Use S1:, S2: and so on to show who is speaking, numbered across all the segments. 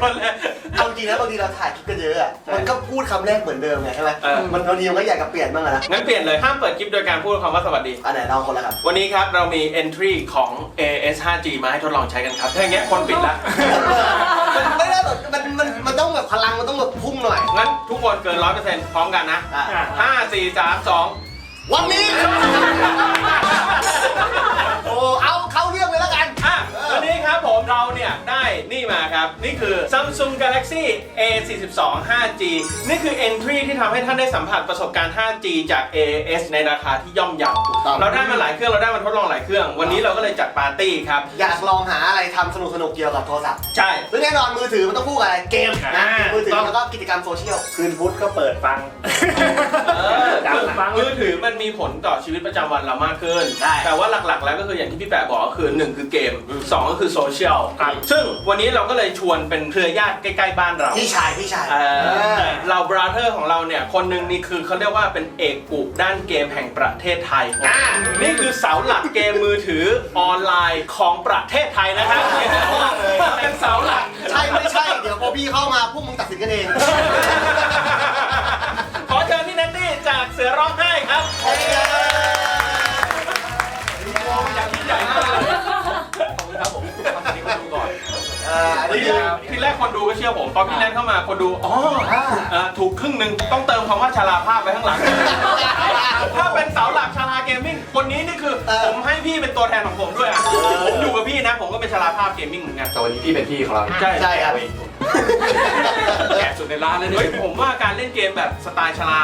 S1: คนเลย
S2: เอาจริงนะบางทีเราถ่ายคลิปกันเยอะอ่ะมันก็พูดคำแรกเหมือนเดิมไงใช่ไหมมันบางทีมันก็อยากจะเปลี่ยนบ้างนะ
S1: งั้นเปลี่ยนเลยห้ามเปิดคลิปโดยการพูดคำว่าสวัสดี
S2: อันไหนลองคนละครับ
S1: วันนี้ครับเรามี entry ของ AS 5G มาให้ทดลองใช้กันครับถ้าอย่างเงี้ยคนปิดละ
S2: มันไม่ได้แบบมันต้องแบบพลังมันต้องแบบพุ่งหน่อย
S1: งั้นทุกคนเกิน 100% พร้อมกันนะ5 4 3 2
S2: วันนี้โอ้เอาเข้าเรื่องเลยแล้วกัน
S1: วันนี้ครับผมเราเนี่ยได้นี่มาครับนี่คือ Samsung Galaxy A42 5G นี่คือ entry ที่ทำให้ท่านได้สัมผัสประสบการณ์ 5G จาก AS ในราคาที่ย่อมเยาเราได้มาหลายเครื่องเราได้มาทดลองหลายเครื่องวันนี้เราก็เลยจัดปาร์ตี้ครับ
S2: อยากลองหาอะไรทำสนุกเกี่ยวกับโทรศัพท์
S1: ใช่
S2: ซึ่งแน่นอนมือถือมันต้องคู่กับอะไรเกมนะมือถือแล้วก็กิจกรรมโซเชียล
S3: คืนพุธก็เปิดฟัง
S1: มือถือมันมีผลต่อชีวิตประจำวันเรามากขึ้นแต่ว่าหลักๆแล้วก็คืออย่างที่พี่แปะบอกก็คือ1คือเกม2ก็คือโซเชียลซึ่งวันนี้เราก็เลยชวนเป็นเครือญาติใกล้ๆบ้านเรา
S2: พี่ชาย
S1: เราบราเธอร์ของเราเนี่ยคนหนึ่งนี่คือเขาเรียกว่าเป็นเอกอุด้านเกมแห่งประเทศไทยนี่คือเสาหลักเกมมือถือออนไลน์ของประเทศไทยนะครับเป็นเสาหลัก
S2: ใช่ไม่ใช่เดี๋ยวพอพี่เข้ามาพวกมึงตัดสินกันเอง
S1: ขอเชิญพี่นัตตี้จากเสือร้องไห้ครับอย่างที่ใหญ่มากเลยขอบคุณครับผมทำนี้คนดูก่อนทีแรกคนดูก็เชื่อผมพอพี่แนทเข้ามาคนดูถูกครึ่งหนึ่งต้องเติมคำว่าชราภาพไว้ข้างหลังถ้าเป็นเสาหลักชราเกมมิ่งคนนี้นี่คือผมให้พี่เป็นตัวแทนของผมด้วยผมอยู่กับพี่นะผมก็เป็นชราภาพเกมมิ่งเหมือนกัน
S3: แต่วันนี้พี่เป็นพี่ของเรา
S2: ใช่ครับ
S3: แก่สุดในร้านเลยเนี่ย
S1: ผมว่าการเล่นเกมแบบสไตล์ชรา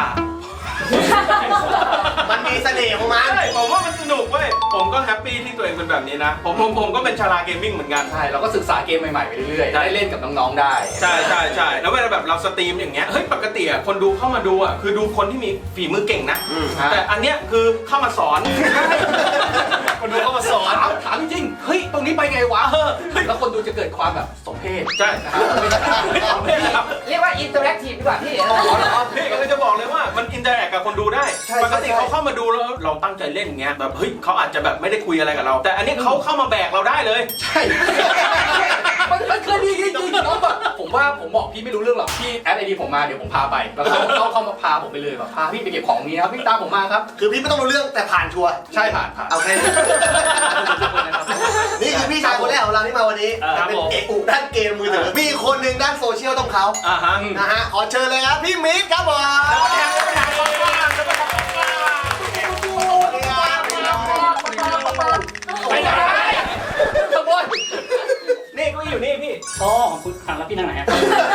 S2: มันมีเสน่ห์ของมัน
S1: ผมว่ามันสนุกเว้ยผมก็แฮปปี้ที่ตัวเองเป็นแบบนี้นะผมก็เป็นชาราเกมมิ่งเหมือนกัน
S3: ใช่เราก็ศึกษาเกมใหม่ๆไปเรื่อยๆได้เล่นกับน้องๆได้
S1: ใช่แล้วเวลาแบบเราสตรีมอย่างเงี้ยเฮ้ยปกติคนดูเข้ามาดูคือดูคนที่มีฝีมือเก่งนะแต่อันเนี้ยคือเข้ามาสอน
S3: คนดูเข้ามาสอนถามจริงเฮ้ยตรงนี้ไปไงวะแล้วคนดูจะเกิดความแบบสมเพช
S1: ใช่
S4: เรียกว่าอินเตอร์แอคทีฟดีกว่าพี่
S1: พี่ก็เลยจะบอกเลยว่ามันอินเตอร์แอคกับคนดูได้ปกติเขาเข้ามาดูแล้วเราตั้งใจเล่นอย่างเงี้ยแบบเฮ้ยเขาอาจจะแบบไม่ได้คุยอะไรกับเราแต่อันนี้เขาเข้ามาแบกเราได้เลย
S3: ใช่มันเคยมีจริงๆแล้วแบบผมบอกพี่ไม่รู้เรื่องหรอกพี่แอดไอดีผมมาเดี๋ยวผมพาไปแล้วเขาเข้ามาพาผมไปเลยแบบพาพี่ไปเก็บของนี้ครับพี่ตามผมมาครับ
S2: คือพี่ไม่ต้องรู้เรื่องแต่ผ่านชัวร์
S3: ใช่ผ่าน
S2: โอเคนี่คือพี่ชายคนแรกของเราที่มาวันนี้เป็นเอกอุด้านเกมมือถือมีคนหนึ่งด้านโซเชียลต้องเขานะฮะขอเชิญเลยครับพี่มิตรครับผม
S1: ไปไหนขบวนนี่ก็อยู่นี่พี่
S4: อ๋อคุณถามแล้วพี่นั่งไหนฮะ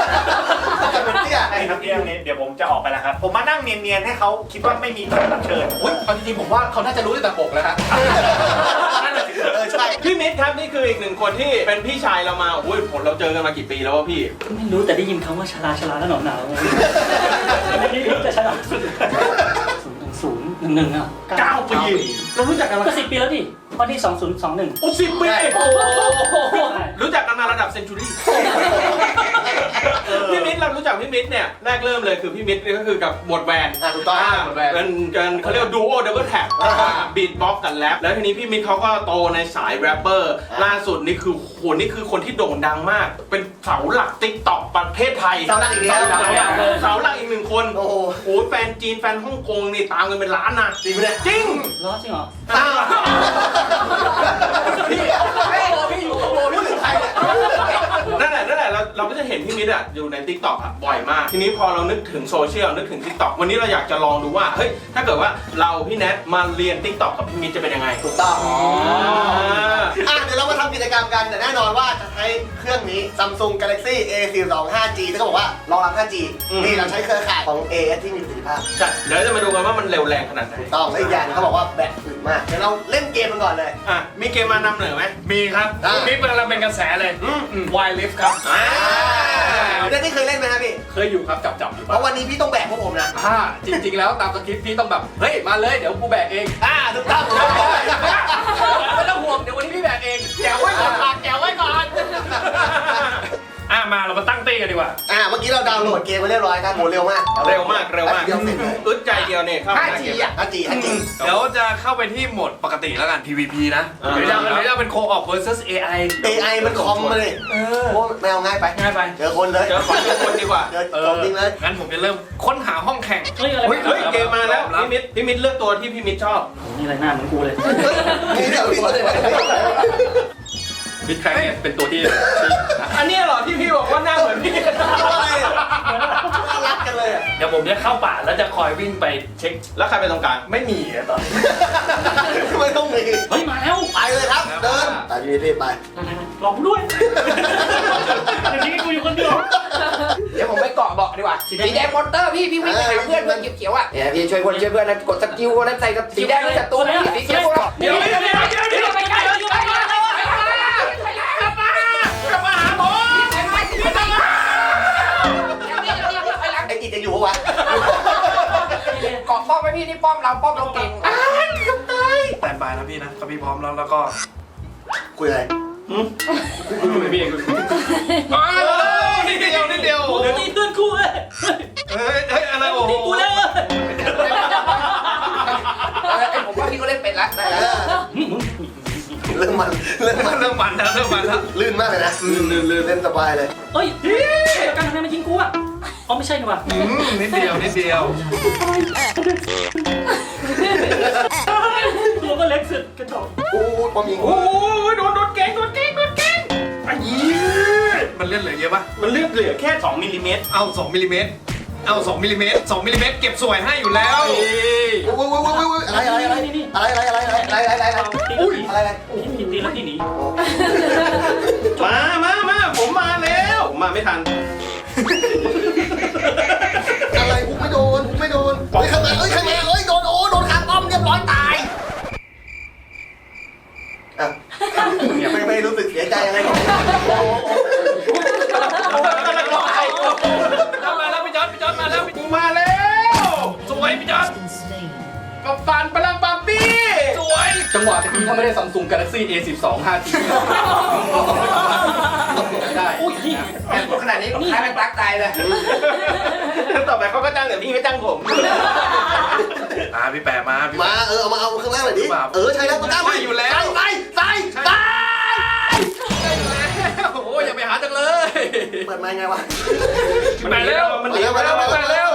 S3: ครับพี่นี้เดี๋ยวผมจะออกไปแล้วครับผมมานั่งเนียนๆให้เขาคิดว่าไม่มีแขกรับเชิญเอาจริงๆผมว่าเขาน่าจะรู้ตั้งแต่ปกแล้วฮะ
S1: ใช่พี่มิตรครับนี่คืออีกหนึ่งคนที่เป็นพี่ชายเรามาโอ้ยผมเราเจอกันมากี่ปีแล้ววะพี่
S4: ไม่รู้แต่ได้ยินคำว่าชราแล้วหนาวไม่ได้รู้แต่ชรา011อ่ะ
S1: 9 ปีเรารู้จักกันมา
S4: ก็10 ปีแล้วดิวันที่2021
S1: โอ้10 ปีรู้จักกันมาระดับเซนจูรี่พี่มิตรเรารู้จักพี่มิตรเนี่ยแรกเริ่มเลยคือพี่มิตรก็คือกับหมวดแวน
S2: ถูกต้อง
S1: หมวดแวนกันเขาเรียกว่าดูโอดับเบิลแท็บบีทบ็อกกันแรปแล้วทีนี้พี่มิตรเขาก็โตในสายแรปเปอร์ล่าสุดนี่คือคนที่โด่งดังมากเป็นเสาหลักติ๊กต็อกประเทศไทย
S2: เสาหลักอีกแล้ว
S1: เสาหลักอีก1 คนโอ้โหแฟนจีนแฟนฮ่องกงนี่ตามกันเป็นล้านนะ
S2: จริงไหม
S1: จริง
S4: จริงเหรอ
S2: พี่อยู่กับโบพี่ถึงใคร
S1: นั่นแหละเราก็จะเห็นพี่มิตรอยู่ใน TikTok บ่อยมากทีนี้พอเรานึกถึงโซเชียลนึกถึง TikTok วันนี้เราอยากจะลองดูว่าเฮ้ยถ้าเกิดว่าเราพี่แนทมาเรียน TikTok กับพี่มิตรจะเป็นยังไง
S2: ถูกต้องเดี๋ยวเรามาทำกิจกรรมกันแต่แน่นอนว่าจะใช้เครื่องนี้ Samsung Galaxy A42 5G ที่เขาบอกว่ารองรับ 5G นี่เราใช้เครือข่ายของ AS ที่มีประสิทธิภาพ
S1: ใช่เดี๋ยวจะมาดูกันว่ามันเร็วแรงขนาดไหน
S2: ถูกต้องและอีกอย่างเขาบอกว่าแบตอึดมากเดี๋ยวเราเล่นเกมกันก่อนเลย
S1: มีเกมมานำเหนือไหม
S3: มีครับนี่เป็นเราเป็นกระแสเลยWild Rift ครับ
S2: นี่เคยเล่นไหมครับพี่
S3: เคยอยู่ครับจับอยู่
S2: เพราะวันนี้พี่ต้องแบกพวกผมนะ
S3: จริงๆแล้วตามสคริปต์พี่ต้องแบบเฮ้ยมาเลยเดี๋ยวกูแบกเอง
S2: ถูกต้อง
S3: ไม่ต้องห่วงเดี๋ยววันนี้พี่แบกเองแกวไว้ก่อนแกวไว้ก่อน
S5: มาเรามาตั้งตี้กันดีกว่า
S2: เมื่อกี้เราดาวน์โหลดเกมไปเรียบร้อยครับโหเร็วมาก
S1: เร็วมากเร็วมาก
S2: เดียวเสร็จเลย
S1: อึดใจเดียวเนี่ยเข้ามา
S3: 5G อ่ะ
S2: 5G
S5: เดี๋ยวจะเข้าไปที่โหมดปกติแล้วกัน PVP นะหรือจะเป็น Co-op versus AI
S2: AI มันคอมมาเลยโอ้ไม่เอาง่ายไป
S5: ง่ายไป
S2: เจอคนเลย
S1: เจอของเจอคนดีกว่า
S2: เจอของจริงเลย
S5: งั้นผมจะเริ่มค้นหาห้องแข่ง
S4: เฮ้ยอะไร
S1: เฮ้ยเกมมาแล้วพี่มิตรเลือกตัวที่พี่มิตรชอบ
S4: นี่อะไรหน้าเหมือนกูเลย
S2: นี่เดี๋ยวพี่เลย
S3: บิทแคร์เนี่ยเป็นตัวที่
S1: อันนี้เหรอที่พี่บอกว่าหน้าเหมือนพี่
S2: น่ารักกันเลยอ่ะ
S5: เดี๋ยวผมจะเข้าป่าแล้วจะคอยวิ่งไปเช็ค
S1: แล้วใครเป็นตรงกลาง
S5: ไม่มีอะตอนนี้
S2: ไม่ต้องมี
S4: เฮ้ยมาแล้ว
S2: ไปเลยครับ เดินตามพี่ไป
S4: ลองด้วยเดี๋ยวนี้กูอยู่คนเดียว
S3: เดี๋ยวผมไปเกาะเบาะดีกว่าสีแดงมอนเตอร์พี่วิ่งไปหาเพื่อนเขียวๆอ่ะเนี่ยพี่ช่วยเพื่อนนะกดสกิลนั้นใส่กับสีแดงนี่จัดตัวนะสีเขียว
S5: เดี๋ยวไปไกลกลับมาหาผม
S2: ไอ้กิจจะอยู่ปะวะ
S3: เกาะป้อมไปพี่นี่ป้อมเราป้อมเราเก่ง
S5: แตนบายนะพี่นะถ้าพี่พร้อมแล้วก็
S2: คุยอะไร
S5: พี่เองนิดเดียว
S4: กูตีเพื่อนกูเลย
S5: เฮ้ยอะไรโอ้โห
S4: ตีกูแล้ว
S3: ไอ้ผมว่าพี่ก็เล่นเป็นละได้แล้ว
S2: เรื่องมัน
S5: เริ่มมันแล้ว
S2: ลื่นมากเลยนะลื่นเล่นสบายเลย
S4: เฮ้ยการทำไมมายิงกูอ่ะอ๋อไม่ใช่นี่ว่ะ
S5: นิดเดียว
S4: ตัวก็เล็กสุดกระจอก
S2: โอ้ยความยิง
S1: โอ้ยโดนเก่งไอ้ยี่
S5: มันเลื่อนเหลือเยอะปะ
S1: มันเลือกเหลือแค่2มิลลิเมตร
S5: เอา2มิลลิเมตร2มิลลิเมตรเก็บสวยให้อยู่แล้ว
S2: โอ้ยอะไร
S4: ตีแล้วที่หนี
S1: มาผมมาแล้วผมมาไม่ทัน
S2: อะไรกูไม่โดนเฮ้ยข้างมาเฮ้ยโดนขาป้อมเรียบร้อยตายไม่รู้สึกเสียใจอะไรหรอก
S5: มาแล้วพี่จอร์ดมาแล้ว
S1: กูมาแล้ว
S5: สวยพี่จอร์ด
S1: ปับฟันพลังปับปี้
S5: สวย
S3: จังหวะตะกี้ถ้าไม่ได้ Samsung Galaxy A12 5G ได้
S4: อุ้ย
S3: แค่ขนาดนี้ก็คล้ายเป็นปลั๊กตายเลย
S1: ต่อไปเขาก็จ้างแต่พี่ไม่จ้างผม
S5: พี่แปะมา
S2: เอามาข้างล่างหน่อยดิใช่แล้วตัวกล้าใส่
S5: โอ้ยอย่าไปหาจังเลย
S2: เปิดไมค์ไงวะ
S5: ไปเร็ว
S1: มัน
S5: วิ่งมาแล้ว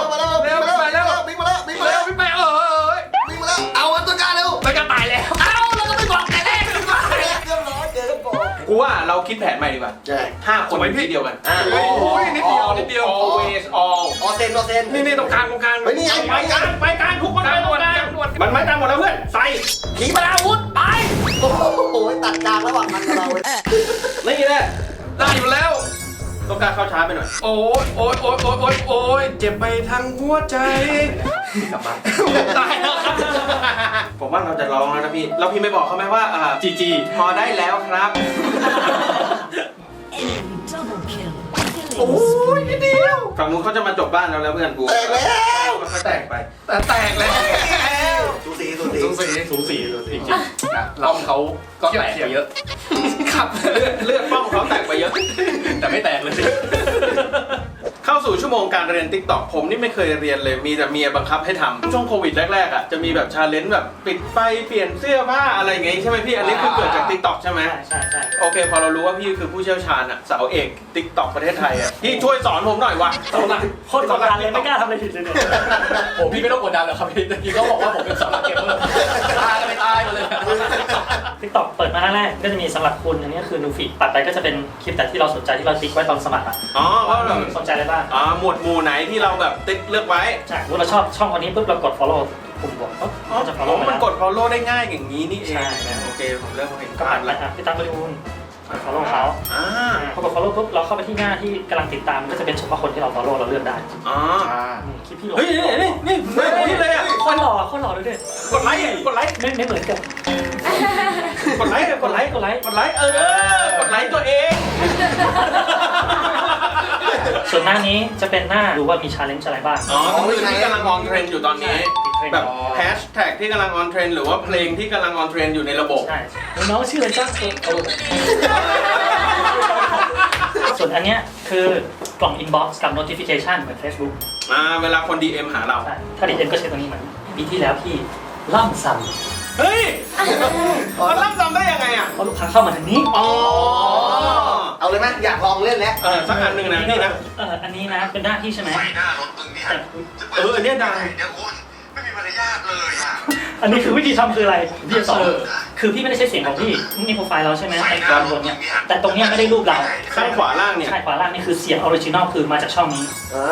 S5: พี่แปะ
S2: เอาตัวกล้าเร็ว
S5: แล้วจะตายแล้ว
S2: แล้วก็ไปบอกแต่แรกเรียบร้อยเจอกันบอก
S1: กูว่าเราคิดแผนใหม่ดีกว่า
S2: ใช่
S1: 5 คนที่เดียวกัน
S5: โอ้ยนิดเดียว
S1: always all
S2: ออเซน
S5: นี่ตรงกลาง
S2: เฮ้ยนี่ไง
S1: ไปกลางทุกคนไปตรงกลางมันไม่ตามหมดแล้วเพื่อนใส่
S2: ขีปนาวุธไปโอ้โหตัดกลางระหว่างมันกับเรา
S1: นี่แหละ
S5: ได้อยู่แล้ว
S1: ต้องการเข้าช้าไปหน่อย
S5: โอ้ยเจ็บไปทั้งหัวใจ
S3: กลับบ้าน
S5: ตายแล้วครับ
S1: ผมว่าเราจะร้องแล้วนะพี่แล้วพี่ไม่บอกเขาไหมว่า
S5: GG
S1: พอได้แล้วครับ
S6: Double kill.
S1: โอ้ยนิดเดียวฝั่งนู้นเขาจะมาจบบ้านเราแล้วเพื่อนกู
S2: แตกแล้ว
S1: เขาแตกไป
S5: แตกแล้ว
S2: สูสี
S5: สูสีจริง
S3: ป้อมเขาก็แตกไปเยอะ
S5: ขับ
S1: เลือดป้อมเขาแตกไปเยอะ
S3: แต่ไม่แตกเลยสิ
S1: เข้าสู่ชั่วโมงการเรียน TikTok ผมนี่ไม่เคยเรียนเลยมีแต่เมียบังคับให้ทำช่วงโควิดแรกๆอ่ะจะมีแบบชาเลนจ์แบบปิดไฟเปลี่ยนเสื้อผ้าอะไรอย่างงี้ใช่ไหมพี่อันนี้คือเกิดจาก TikTok ใช่ไหม
S4: ใช่
S1: โอเคพอเรารู้ว่าพี่คือผู้เชี่ยวชาญอ่ะสาวเอก TikTok ประเทศไทยอ่ะพี่ช่วยสอนผมหน่อยว่ะ
S4: โคตรกดดันเลยไม่กล้าทำอะไรผิดเลยเนี่ย
S3: ผมพี่ไม่ต้องกดดันหรอกครับพี่ตะกี้เขาบอกว่าผมเป็นสำนักเกมเมอร์ตายไปตายมาเลย
S4: TikTok เปิดมาแรกก็จะมีสำหรับคุณอันนี้คือนูฟีดตัดไปก็จะเป็นคลิปแต่ที่เราสนใจที่เราติ๊กไว้ตอนสมัครอ่ะ
S1: อ๋อว่าแบบ
S4: สนใจอะไรบ้าง
S1: หมวดหมู่ไหนที่เราแบบติ๊กเลือกไว้
S4: ใช่เมื่อเราชอบช่องคนนี้ปุ๊บเรากด follow ปุ่มบวกปุ๊บก็จะ follow
S1: มันกด follow ได้ง่ายอย่างนี้นี่เอง
S4: ใช่
S1: โอเคผมเริ่มเห็น
S4: ก็
S1: ภา
S4: ปั
S1: พ
S4: ด
S1: แล้ว
S4: นะครับพี่ตั้งบริบูรณ์ follow เขา
S1: อ่า
S4: พอกด follow ปุ๊บเราเข้าไปที่หน้าที่กำลังติดตามก็จะเป็นเฉพาะคนที่เรา follow เราเลือกได้
S1: อ๋อ
S4: คลิปพี่หลง
S1: เฮ้ยนี่เลยอ่ะ
S4: คนหล่อเลยด้วย
S1: กดไลค์กดไลค์
S4: ไม่เหมือนกัน
S1: กดไลค์กดไลค์กดไลค์กดไลค์กดไลค์ตัวเอง
S4: ส่วนหน้านี้จะเป็นหน้าดูว่ามี challenge อะไรบ้าง
S1: อ๋อคือที่กำลังออนเทรนด์อยู่ตอนนี้แบบแฮชแท็กที่กำลังออนเทรนด์หรือว่าเพลงที่กำลังออนเทรนด์อยู่ในระบบ
S4: ใช่น้องชื่ออะไรจ้าส่วนอันเนี้ยคือกล่อง inbox กับ notification เหมือน Facebook
S1: เวลาคน DM หาเรา
S4: ใช่ถ้า DM ก็ใช้ตัวนี้เหมือนปีที่แล้วพี่ล่ำซ้ำ
S1: เฮ้ยมันรับจำได้ยังไงอ่ะ
S4: เพราะลูกค้าเข้ามาทางนี้
S1: อ๋อ
S2: เอาเลยไหมอยากลองเล่นแล้ว
S1: สักอันหนึ่งนะพี่นะ
S4: อันนี้นะเป็นหน้าที่ใช่ไหม
S6: ไฟหน้ารถมึงเนี่ย
S4: แต่
S1: อันเนี้ยดัง
S6: เดี๋ยวคุณไม่มีมารยาทเลยอ่ะ
S4: อันนี้คือวิธีทำคืออะไรพี่จะสอนคือพี่ไม่ได้ใช้เสียงของพี่นี่โปรไฟล์เราใช่ไหมไอ้ตอนบนเนี่ยแต่ตรงเนี้ยไม่ได้รูปเรา
S1: ข้างขวาล่างเนี่ย
S4: ใช่ขวาล่างนี่คือเสียงออริจินอลคือมาจากช่องนี้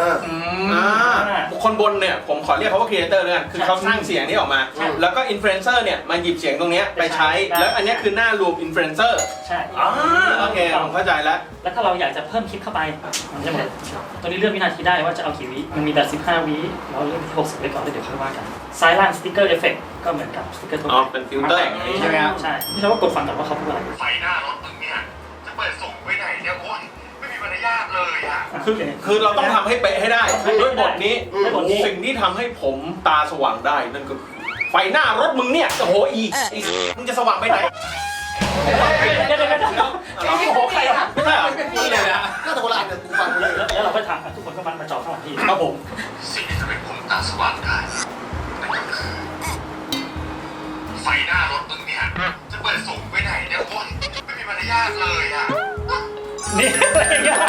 S1: คนบนเนี่ยผมขอเรียกเขาว่าครีเอเตอร์เลยกันคือเขาสร้างเสียงนี้ออกมา
S4: ใช่
S1: แล้วก็อินฟลูเอนเซอร์เนี่ยมาหยิบเสียงตรงเนี้ยไปใช้ แล้วอันเนี้ยคือหน้ารวมอินฟลูเอนเซอร์
S4: ใช่
S1: โอเคผมเข้าใจแล้ว
S4: แล้วถ้าเราอยากจะเพิ่มคลิปเข้าไปมันจะหมดตอนนี้เลือกวินาทีได้ว่าจะเอากี่วิมันมีแบบ15วิเราเลือกที่60ไว้ก่อนแล้วเดี๋ยวค่อยว่ากันซ้ายล่างสติ๊กเกอร์เอฟเฟกต์ก็เหมือนกับสติ๊กเกอร์ทั่ว
S1: อ๋อ
S4: ไป
S1: เป็นฟิลเตอร์
S3: ใช่ไหมครับ
S4: ใช่นี่เราก็กดฟังก่อนว่าเขาพูดอะไร
S6: ไฟหน้ารถมึงเนี่ยจะเปิดส่งไว้ไหนเนี่ยคุณไม่มีมารยาทเลยอ่ะ
S1: คือเราต้องทำให้เป๊ะให้ได้ด้วยบทนี้
S4: ด้วยบทนี้
S1: สิ่งที่ทำให้ผมตาสว่างได้นั่นก็คือไฟหน้ารถมึงเนี่ยโอ้โหมึงจะสว่างไปไหน
S4: เดี๋ยวโอ้โหใครอ่ะ
S1: ไม่ใช่เหรอ
S3: นี่เลยนะ
S2: ก็แต่คนละอันเนี่ยกูฟังเลย
S4: แล้วเราก็ถามทุกคนก็มาจ่อข้างหลังพี่
S1: ครับผม
S6: สิ่งที่ทำให้ผมตาสว่างได้นั่นก็คือไฟหน้ารถมึงเนี่ยจะเปิดส่งไว้ไหนเนี่ยคุณไม่มีมารยาทเลยอ่ะ
S4: นี่อะไรอย่างเงี้ย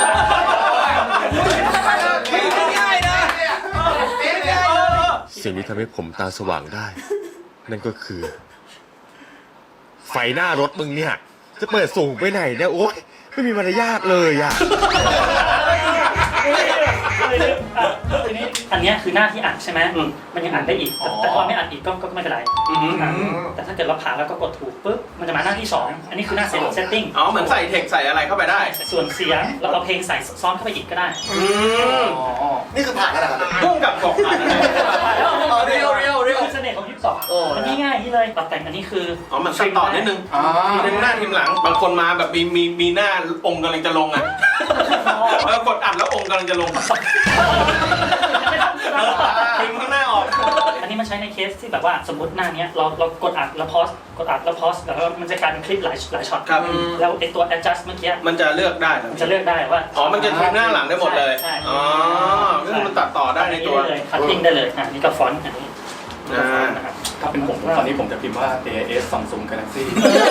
S3: ไม่ง่ายนะ
S7: สิ่งที่ทำให้ผมตาสว่างได้ นั่นก็คือ ไฟหน้ารถมึงเนี่ย จะเปิดส่งไปไหนเนี่ยโอ๊ยไม่มีมารยาทเลยอ่ะ
S4: ทีนี้อันเนี้ยคือหน้าที่อัดใช่ไหมมันยังอัดได้อีกแต่ถ้าเราไม่อัดอีกก็ไม่เป็นไรแต่ถ้าเกิดเราผ่านแล้วก็กดถูกปุ๊บมันจะมาหน้าที่2อันนี้คือหน้าเซตติ้ง
S1: อ๋อเหมือนใส่เทคใส่อะไรเข้าไปได้
S4: ส่วนเสียงเราเอาเพลงใส่ซ้อนเข้าไปอีกก็ได้
S2: นี่คือผ่านกันแล้วครับ
S1: พุ่งกับบอกผ่านอะไร
S3: เรียว
S4: คือเสน่ห์ของ22มันง่ายๆนี่เลยปรับแต่งอันนี้คือ
S1: อ๋อมันตัดต่อนิดนึงทีมหน้าทีมหลังบางคนมาแบบมีหน้าองค์กำลังจะลงอ่ะแล้วกดอัดแล้วองค์กำลังจะลงทิ้งข้างหน้าออก
S4: อันนี้มันใช้ในเคสที่แบบว่าสมมติหน้าเนี้ยเรากดอัดแล้วพอสกดอัดแล้วพอสแล้วมันจะกลายเป็นคลิปหลายช็อต
S1: ครับ
S4: แล้วไอตัว adjust เมื่อกี้
S1: มันจะเลือกได้
S4: มันจะเลือกได้ว่า
S1: อ๋อมันจะทำหน้าหลังได้หมดเลย
S4: ใช่
S1: อ๋อก็คือมันตัดต่อได้ในตัว
S4: คัตติ้งได้เลยนี่ก็ฟอนต์อันนี้นะครับ
S3: ถ้าเป็นผมตอนนี้ผมจะพิมพ์ว่า AIS Samsung Galaxy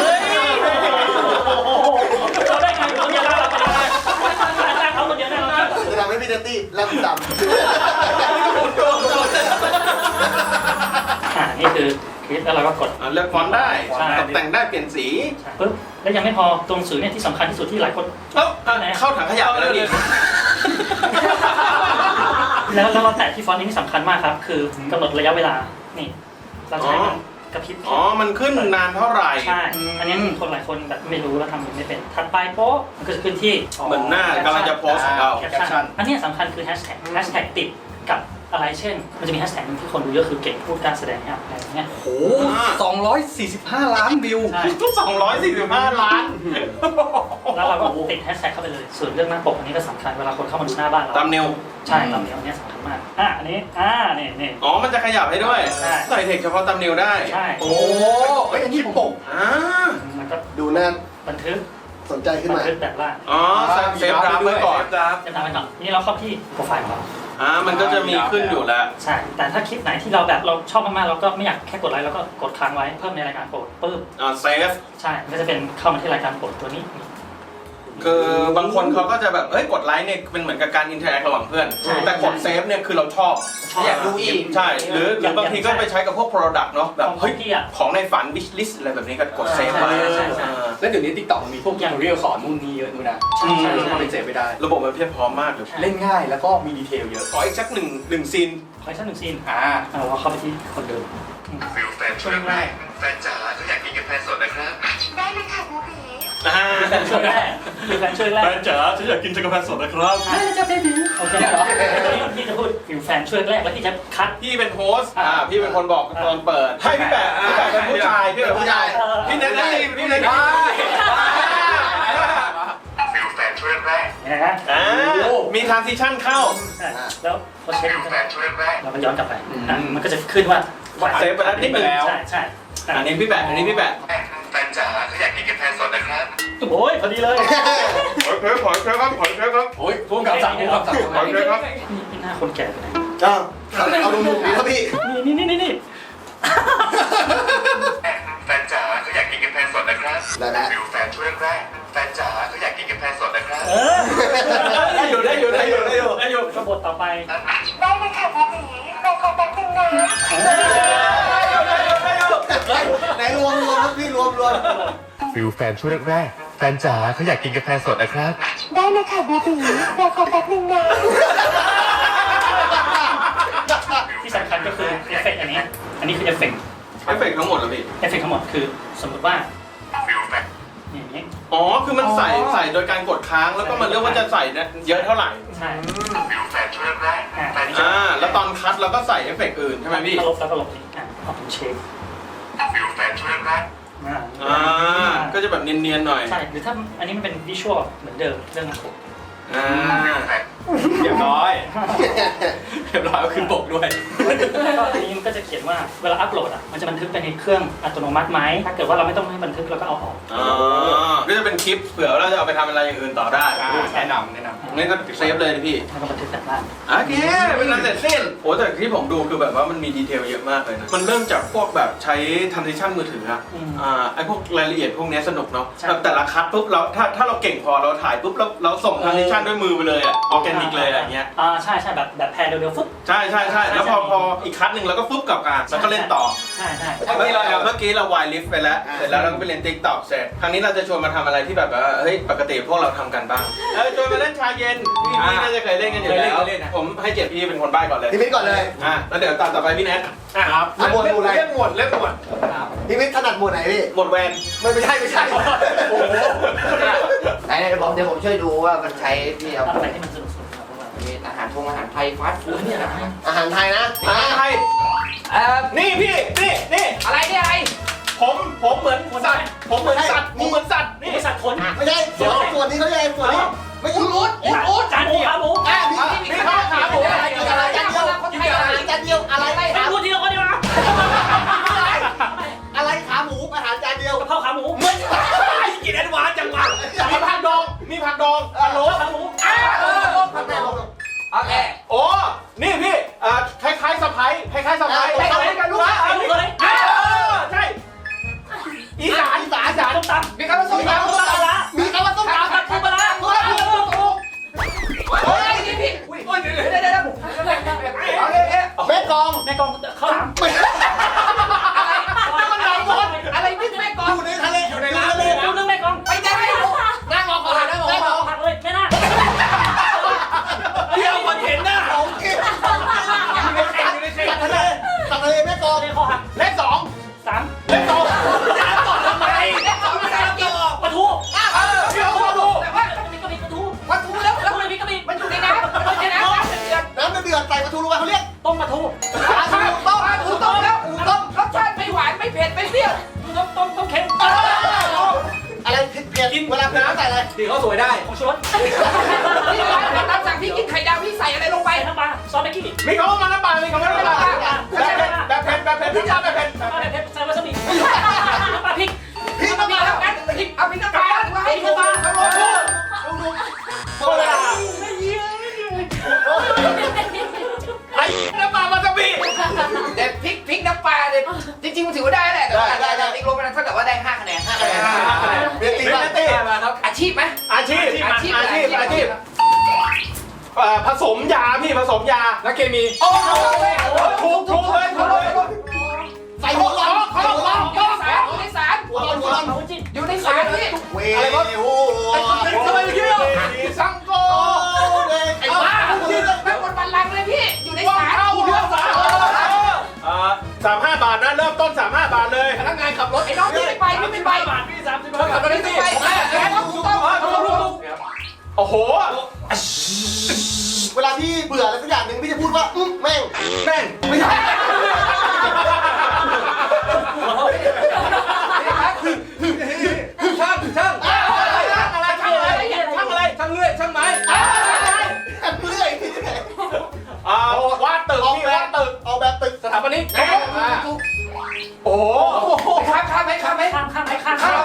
S4: เราได้ไงคนเดียวเราได้เขาคนเดียวได้เรา
S2: จะทำให้พี่เดตตี้ล่ำด
S4: นี่คือคลิปแล้วเราก็กด
S1: เลือกฟอนต์ได้
S4: ใช่
S1: ตกแต่งได้เปลี่ยนสี
S4: ปุ๊บแล้วยังไม่พอตรงสื่อเนี่ยที่สำคัญที่สุดที่หลายคน
S1: เข้าถังขยะไปแล้วนี่
S4: แล้วเราแตะที่ฟอนต์นี้สำคัญมากครับคือกำหนดระยะเวลานี่เราใช้มันกระพริบ
S1: อ๋อมันขึ้นนานเท่าไหร่
S4: ใช่อันนี้มีคนหลายคนแบบไม่รู้แล้วทำไม่เป็นถัดไปโป๊ะมันก็จะขึ้นที่
S1: เหมือนหน้ากำลังจะโพสของเรา
S4: แคปชั่นอันนี้สำคัญคือแฮชแท็กติดกับอะไรเช่นมันจะมีแฮชแท็กนึงที่คนดูเยอะคือเก่งพูดการแสดงอะไรอย่างเงี้ย
S3: โอ้245 ล้านวิว
S4: ใช่
S1: 245 ล้าน
S4: แล้วเราก็ติดแฮชแท็กเข้าไปเลยส่วนเรื่องหน้าปกอันนี้ก็สำคัญเวลาคนเข้ามาดูหน้าบ้านเรา
S1: ตามนิว
S4: ใช่ตามเนียวอันนี้สำคัญมากอันนี้นี่
S1: อ๋อมันจะขยับให้ด้วย
S4: ใช่
S1: ใส่เทคเฉพาะตามนิวได้
S4: ใช่
S1: โอ้
S3: เฮ้ยอันนี้ผม
S4: มันก็
S2: ำดูหน้า
S4: บันทึก
S2: สนใจขึ้นมา
S4: แบบล่าง
S1: อ๋อเซฟดราฟไว้ก่อน
S4: จะทำไปก่อนนี่เราเข้าที่โปรไฟล์ของเรา
S1: มันก็จะมีขึ้นอยู่แล้ว
S4: ใช่แต่ถ้าคลิปไหนที่เราแบบเราชอบมากๆเราก็ไม่อยากแค่กดไลค์เราก็กดค้างไว้เพิ่มในรายการโปรดปึ๊บ
S1: เซฟ
S4: ใช่มันก็จะเป็นเข้ามาที่รายการโปรดตัวนี้
S1: คือบางคนเขาก็จะแบบกดไลค์เนี่ยเป็นเหมือนกับการอินเทอร์แอคระหว่างเพื่อน แต่กดเซฟเนี่ยคือเราชอบ
S3: อยากดูอีก
S1: ใช่หรือบางทีก็ไปใช้กับพวก Product เนาะแบบเฮ้ย
S4: ที่อ่ะ
S1: ของในฝัน wish list อะไรแบบนี้ก็กดเซฟไว้
S4: ใช่
S3: แล้วเดี๋ยวนี้ TikTok มันมีพวกอย่างเรียลสอนนู่นนี่เยอะดูนะใช่เป็นเสพไม่ได้
S1: ระบบมันเพียบพร้อมมากเลย
S3: เล่นง่ายแล้วก็มีดีเทลเยอะ
S1: ขออีกสักหนึ่งซีน
S4: ขออีกสักหนึ่งซีน
S3: เรา
S4: เราเข้าไปที่คนเดิม
S6: ฟิลแฟนช่วยแรกแฟนจ๋าเขาอยากกินกาแฟสดนะครับ
S8: ได้เลยค่ะบูบี
S4: แฟนช่วยแรกคือแฟนช่วยแรก
S1: แฟนจ๋าฉันอยากกินกาแฟสดนะครับ
S4: โอเคพี่จะพูดฟิวแฟนช่วยแรกแล้วพี่จะคัด
S1: พี่เป็นโฮสต์พี่เป็นคนบอกตอนเปิดให้พี่แปะเป็นผู้ชายพี่เป็นผู้ชายพี่เน้นได้พี่เน้นได้
S6: ฟิลแฟนช่วยแรก
S4: นะฮะ
S1: มีทรานซิชั่นเข้า
S4: แล้วพอเช็ค
S6: ฟิลแฟนช่วยแรก
S4: เราก็ย้อนกลับไปมันก็จะขึ้นว่า
S1: เซฟไปแล้วนิดนึง
S4: ใช่
S1: อันนี้พี่แปะ
S6: แฟนจ๋าเขาอยากกินกาแฟสดนะครับ
S4: โอ้ยพอดีเลย
S1: ขอเชิญครับขอเชิญครับ
S3: โอ้ยพุ่งกับสั่งพุ่งกับสั่ง
S1: ขอเชิญครับ
S4: นี่หน้าคนแก่ไปไหน
S2: เอาดูมุมนี้ครับพี่
S4: นี่
S6: แฟนจ๋าเขาอยากกินกาแฟสดนะครับ
S2: ได้
S6: ฟิวแฟนช่วยแรกแฟนจ๋าเขาอยากกินกาแฟสดนะครับ
S1: ได้อยู่
S4: กบฏต่อไป
S8: ได้เลยค่ะพี่ตีในคอมแป๊บนึงนะ
S2: ไหนรวมครับพี่รวม
S7: ฟิลแฟนช่วงแรกๆแฟนจ๋าเขาอยากกินกาแฟสดนะครับ
S8: ได้เลยค่ะพี่ตีในคอมแป๊บนึงนะ
S4: ที่สำคัญก็คือเอฟเฟกต์อันนี้คือเอฟเฟกต์
S1: เอฟเฟกต์ทั้งหมดเหรอพี่
S4: เอฟเฟกต์ทั้งหมดคือสมมติว่า
S6: ฟิวแฟน
S4: อย่างนี้
S1: อ๋อคือมันใส่โดยการกดค้างแล้วก็มันเลือกว่าจะใส่เยอะเท่าไหร่
S4: ใช่
S6: ฟิวแฟนช่วยแรกแฟน
S1: แล้วตอนคัดเราก็ใส่เอฟเฟกต์อื่นใช่ไหมพี่
S4: ลบแล้วก็ลบอีกเอาเป็นเช็ค
S6: ฟิวแฟนช่วยแรก
S1: ก็จะแบบเนียนๆหน่อย
S4: ใช่หรือถ้าอันนี้มันเป็นวิชวลเหมือนเดิมเรื่องของผม
S6: ฟิวแฟน
S1: เรียบร้อยก็ขึ้นปกด้วย
S4: ก็อันนี้มันก็จะเขียนว่าเวลาอัพโหลดมันจะบันทึกไปในเครื่องอัตโนมัติไหมถ้าเกิดว่าเราไม่ต้องให้บันทึกเราก็เอาออก
S1: ก็จะเป็นคลิปเผื่อเราจะเอาไปทำอะไรอย่างอื่นต่อได้
S3: แนะนำ
S1: งั้นก็เซฟเลยพี่
S4: แล้วก็บันทึกแต่ล่าง
S1: โอเคเป็นอันเสร็จสิ้นโอ้แต่ที่ผมดูคือแบบว่ามันมีดีเทลเยอะมากเลยนะ มันเริ่มจากพวกแบบใช้ทันซิชั่นมือถืออะไอพวกรายละเอียดพวกนี้สนุกเนาะแบบแต่ละคัดปุ๊บเราถ้าเราเก่งพอเราถ่ายปุ๊บเราส่งทันซิชั่นด้วยมือไปเลยอะออร์แกนิกเลยอย่างเงี้ย
S4: ใช่แบบแพรเร็วๆฟึ๊บ
S1: ใช่แล้วพออีกคัดหนึ่งเราก็ฟึ๊บกลับกันแล้วก็เล่นต่อ
S4: ใช่
S1: เมื่อกี้เราวายลิฟต์ไปแล้วเสร็จแล้วเราก็ไปเล่นติ๊กต็อกเสร็จครั้งนี้เราจะชวนมาทำอะไรที่แบบว่าเฮ้ยปกติพวกเราทำกันบ้างชวนมาเล่นชาเย็นพี่น่าจะเคยเล่นกันอยู่แล้วผมให้เกียรติพี่เป็นคนใบ้ก่อนเลย
S2: พี่มิตรก่อนเลย
S1: แล้วเดี๋ยวต่อไปพี่แนท
S5: ครับ
S2: หมวดอะไร
S5: เล่นหมวด
S2: พี่มิตรถนัดหมวดไหนพี่
S1: หมดแวน
S2: ไม่ใช่
S1: โอ้โห
S9: ไหนเดี๋ยวผมช่วยดูว่ามันใช้ที่เอา
S4: อะไรที่มันสนุกๆครับ
S9: มีอาหารไทยฟาสต์ฟู้ดเนี่ยนะ
S2: อาหารไทยนะ
S1: ไทยนี่พี่นี่
S9: อะไรเนี่ยอะไร
S1: ผมเหมือนสัตว์ผมเหมือนสัตว์นี่
S4: นี่สัตว์ขน
S2: ไม่ใช่ส่วนนี้เขาเรียกส่วนนี้ไม่ใช่อูด
S4: จานหมูขาหมู
S2: มีข้าวขาหมูอะไรจานเดียวจานเดียวอะไร
S4: ไม่พูดทีละคนดีกว่า
S2: อะไรขาหมูอาหารจานเดียว
S4: กะเพราขาหมู
S1: กินแอดวานซ์จังวะมีผักดองฮัลโหล
S4: ขาหมู
S9: โอเค
S1: โอ้นี่พี่คล้ายๆสะพ้ายใช่อีสาน
S4: ต้มตำ
S9: มีคำว่าส้มตำ
S4: ปลาร้า
S2: มีคำว่าต้มตำ
S4: ปูปลาร้า
S9: โอ้ยนี่พี่อุ้ยเดี๋ยว
S2: แม่กอง
S4: แม่กองข้าวหลาม
S9: อะไรพี่แม่กอ
S2: อง ยู่ในทะเลอยู่ในน้ำทะเล
S4: ดูเรื่องแม่กอง
S9: ไปได้นั่งรอก่อนนั่งรอก่อน
S4: ผักเลยแม่น่า
S1: เที่ยวคนเห็นหน้า
S2: โอเคสัตว์ทะเลแม่กอง
S4: เรียกคอหัก
S1: เลข2
S4: 3
S1: เลข2จะต่อทำไม
S4: ปลาทู
S1: เที่ยวมาดู
S9: แต่ว่า
S4: มีกระบี่ปลาทู
S9: วัตถุแล้ว
S4: ปลาทูเลยมีกระบี่
S9: มันอยู่ในน้ำมันอยู่ในน้ำเดือด
S2: น้ำเดือดใส่ปลาทูลงไปเขาเรียก
S4: ต้มปลาทู
S2: ปลาทูต้ม
S9: อูต้มแล้วอูต้มรสชาติไม่หวานไม่เผ็ดไม่เปรี้ยว
S4: ต้มเค็ม
S2: อะไรเผ็ดเวลาเผ็ดใส่อะไร
S3: ตีเขาสวยได้
S4: ของชูรส
S9: พี่ตามสั่งพี่กินไข่ดาวพี่ใส่อะไรลงไป
S4: ใส่น้ำปลาซอสแม็กกี้
S1: มีคำว่ามันน้ำปลามีคำว่าน้ำปลาแบบเผ็ดแบบเผ็ดใ
S4: ใส่วาซาบิน้ำปลาพริก
S2: พี่
S9: เอา
S2: น้ำ
S9: พี่
S2: ปลา
S9: เอากันเอาพี่น้ำปลาให้ดู
S2: หมดเวลา
S1: ไอ้น้ำปลามาจะบี
S9: แต่พริกน้ำปลาเนี่ยจริงๆมันถือว่าได้แหละแต่ว่าติ๊กลงไปนั้นเท่ากับว่าได้5 คะแนน
S2: เรียนตีบ้าง
S9: อาชีพไหม
S1: อาชีพผสมยาพี่ผสมยา
S3: นักเคมี
S9: โอ้โห
S1: ถูกเลย
S2: ใส่หัวร้อน
S9: อยู่ในสาร
S2: หัวร้อน
S4: เอาจิ้ม
S9: อยู่ในสารพี่
S2: เวอะไรวะโอ้
S1: ทำไมพี่สังโก
S2: ไอ้
S9: เอา
S2: บ้า
S9: แม่บนบันลังเลยพี่อยู่ในสาร
S1: 35 บาทนะเริ่มต้น35 บาทเลย
S3: พนักงานขับรถ
S9: ไอ้น้องพี่ไม่ไปพี่ไม่ไป
S4: บาทพี่30
S3: ขับรถ
S9: พี่
S3: ได้
S9: ไม่
S3: สิ
S9: ไปต้อง
S1: โอ้โห
S2: เวลาพี่เบื่ออะไรสักอย่างหนึ่งพี่จะพูดว่าแม่งไม่ใช่
S3: ช่าง
S1: อะไร
S3: ช่างเลื่อยช่างไม้
S2: เรื่อยว
S1: าดตึกพี่วาดตึก
S2: เอาแบบตึก
S3: สถาปนิก
S1: โอ้โห
S9: ข้ามไหม
S4: ข้าม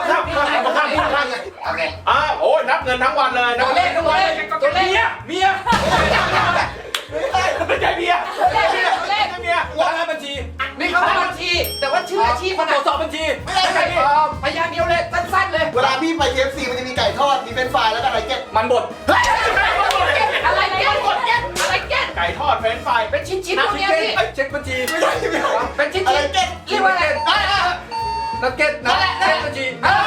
S1: งินทั้งวันเลยนะ
S9: ตัวเลขเมีย
S1: ไม่ใช่เมีย
S9: ตัวเลข
S1: เมีย
S3: พนักงานบัญชี
S9: นี่เขาเป็นบัญชี แต่ว่าชื่ออาชีพมัน
S3: ตรวจสอบบัญชี
S2: ไม่ได้ไก่
S9: พยางเดียวเลยสั้นๆเลย
S2: เวลาพี่ไป KFC มันจะมีไก่ทอด มีเฟรนช์ฟรายแล้วก็อะไรเก็ต
S3: มันบด
S9: อะไรเก็ตอะไรเก็ต
S1: ไก่ทอดเฟรนช์ฟราย
S9: เป็นชิ้นๆพวกเนี้ยพี่
S3: เช็คบัญชี
S2: ไม่ใช่ไม่ใช่
S9: เป็นชิ้น
S2: อะไรเก็ต
S9: ๆเรียกว่าอะไร
S3: นักเก็ตนะเช็คบัญชี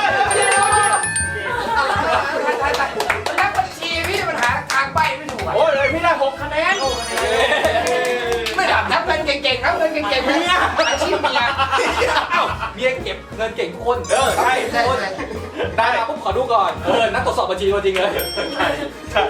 S9: นักบัญชีพี่ปัญหาทางใบไม่ถูก
S1: โอ้ยเลยพี่ได้6คะแนน
S9: ไม่ดับนับเงินเก่งๆนับเงินเก่งๆเมียอาชีพเมีย
S3: เมียเก็บเงินเก่งทุกคน
S1: ใช่
S2: ใช่ใช่
S3: ได้มาปุ๊บขอดูก่อนนักตรวจสอบบัญชีตัวจริงเลย
S1: ใช่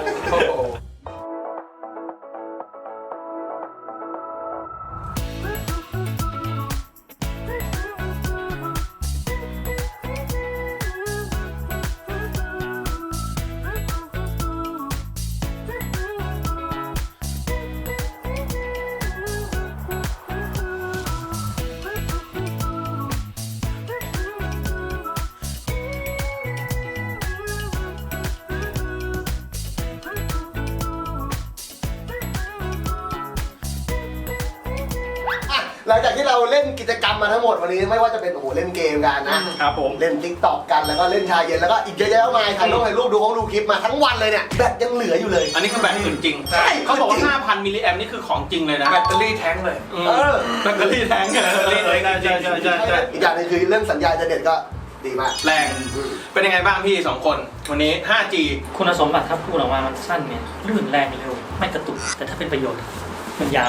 S2: อ่ะหลังจากที่เราเล่นกิจกรรมมาทั้งหมดวันนี้ไม่ว่าจะเป็นโอ้โหเล่นเกมกันนะครับ
S1: ผม
S2: เล่นติ๊กต็อกกันแล้วก็เล่นชาเย็นแล้วก็อีกเยอะแยะมากมายถ่ายรูปดูคลิปมาทั้งวันเลยเนี่ยแบตยังเหลืออยู่เลย
S1: อันนี้คือแบตอื่นจริง
S2: ใช่
S1: เขาบอกว่า 5,000 มิลลิแอมนี่คือของจริงเลยนะ
S3: แบตเตอรี่แท้งเลย
S1: แบตเตอรี่แทงกันแบตเตอรี่แทงใช่ใช่
S2: อีกอย่างหนึงคือเรื่องสัญญาณอินเทอร์เน็ตก็ดีมาก
S1: แรง เป็นยังไงบ้างพี่2คนวันนี้ 5G
S4: คุณสมบัติถ้าพูดออกมามันสั้นเนี่ยลื่นแรงเร็วไม่กระตุกแต่ถ้าเป็นประโยชน์มันยาว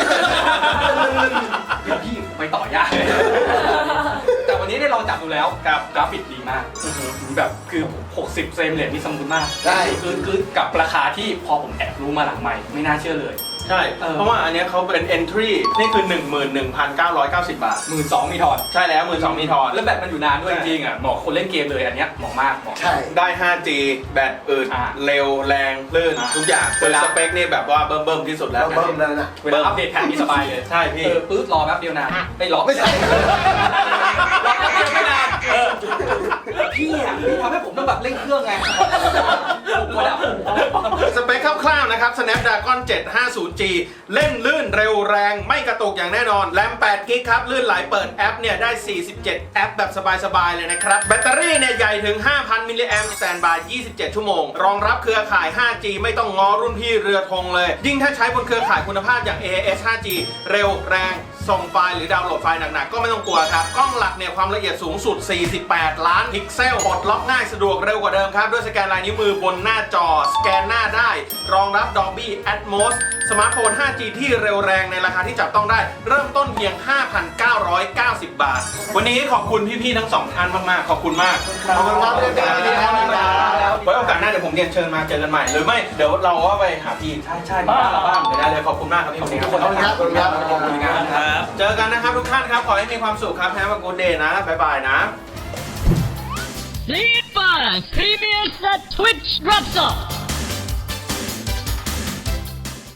S3: เดี๋ยวพี่ไปต่อยาก แต่วันนี้ได้ลองจับดูแล้ว
S1: ครับ
S3: กราฟิกดีมากแบบคือ60เฟรมเรทนี่สมูทมาก
S2: ใช่
S3: คือกับราคาที่พอผมแอบรู้มาหลังใหม่ไม่น่าเชื่อเลย
S1: ใช่ เพราะว่าอันเนี้ยเขาเป็น entry นี่คือ 11,990 บาท
S3: 12,000มีถอด
S1: ใช่แล้ว 12,000มีทอน
S3: แล้วแบตมันอยู่นานด้วยจริงๆอ่ะเหมาะคนเล่นเกมเลยอันเนี้ยเหมาะมากเหมาะ
S2: ใช่
S1: ได้ 5G แบตอึด เร็วแรงลื่น ทุกอย่างเป็นสเปคนี่แบบว่าเบิ่มๆที่สุดแล้ว
S2: เบิ่มๆแล้วนะ
S3: เวลาอัปเดตแผ่นนี่สบายเลย
S1: ใช่พี่
S3: ปื๊ดรอแป๊บเดียวนานไม่รอ
S2: ไม่ใช่
S3: รอแป๊บเดียวไม่นานพี่อ่ะพี่ทำให้ผมต้องแบบเร่งเครื่องไงผมก็ดับ
S1: สเปคคร่าวๆนะครับ Snapdragon 750G เล่นลื่นเร็วแรงไม่กระตุกอย่างแน่นอน แรม8กิกครับ ลื่นไหลเปิดแอปเนี่ยได้ 47 แอปแบบสบายๆเลยนะครับ แบตเตอรี่เนี่ยใหญ่ถึง 5,000 มิลลิแอมป์สแตนบาย 27 ชั่วโมง รองรับเครือข่าย 5G ไม่ต้องง้อรุ่นพี่เรือธงเลย ยิ่งถ้าใช้บนเครือข่ายคุณภาพอย่าง AIS 5G เร็วแรงส่งไฟล์หรือดาวน์โหลดไฟล์หนักๆก็ไม่ต้องกลัวครับกล้องหลักเนี่ยความละเอียดสูงสุด 48 ล้านพิกเซลปลดล็อกง่ายสะดวกเร็วกว่าเดิมครับด้วยสแกนลายนิ้วมือบนหน้าจอสแกนหน้าได้รองรับ Dolby Atmos สมาร์ทโฟน 5G ที่เร็วแรงในราคาที่จับต้องได้เริ่มต้นเพียง 5,990 บาท วันนี้ขอบคุณพี่ๆทั้งสองท่านมากๆขอบคุณมาก
S2: ขอบคุณครับพี่ครับ
S1: ไว้โอกาสหน้าเดี๋ยวผมเรียนเชิญมาเจอกันใหม่หรือไม่เดี๋ยวเราก็ไปหาพี่ใช่ๆมาบ้างเดี๋ยวได้เลยขอบคุณมากครับพี่
S2: ขอบคุณครับขอบคุณครับ
S3: ขอบคุณครับ
S1: เจอกันนะครับทุกท่านครับขอให้มีความสุขครับแฮปปี้กู๊ดเดย์นะบ๊ายบายนะ
S10: Sleep Premium Twitch drops off.